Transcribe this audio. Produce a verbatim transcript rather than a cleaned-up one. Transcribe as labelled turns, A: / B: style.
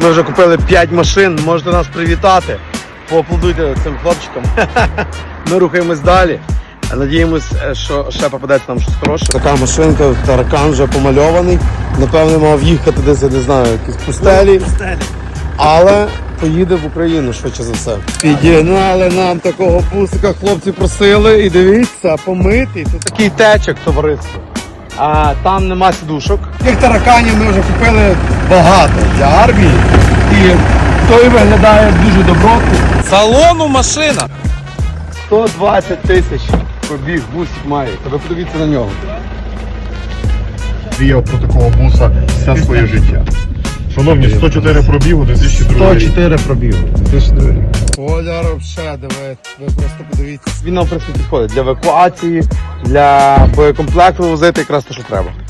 A: Ми вже купили п'ять машин, можете нас привітати. Поаплодуйте цим хлопчикам. Ми рухаємось далі. Надіємось, що ще попадеться нам щось хороше. Така машинка, таракан вже помальований. Напевне, мав їхати десь, я не знаю, якісь пустелі. Але поїде в Україну швидше за все. Підігнали нам такого бусика, хлопці просили. І дивіться, помитий. Це такий течок, товариство. А там нема сідушок. Тих тараканів ми вже купили багато для армії. І той виглядає дуже добротно.
B: Салону машина.
A: сто двадцять тисяч пробіг, бусик має. Ви подивіться на нього.
C: Мріяв про такого буса все своє життя. Шановні, сто чотири пробігу, дві тисячі другий рік.
A: сто чотири пробігу. Поляр взагалі, диви, ви просто подивіться. Він нам, в принципі, підходить для евакуації, для боєкомплекту возити якраз те, що треба.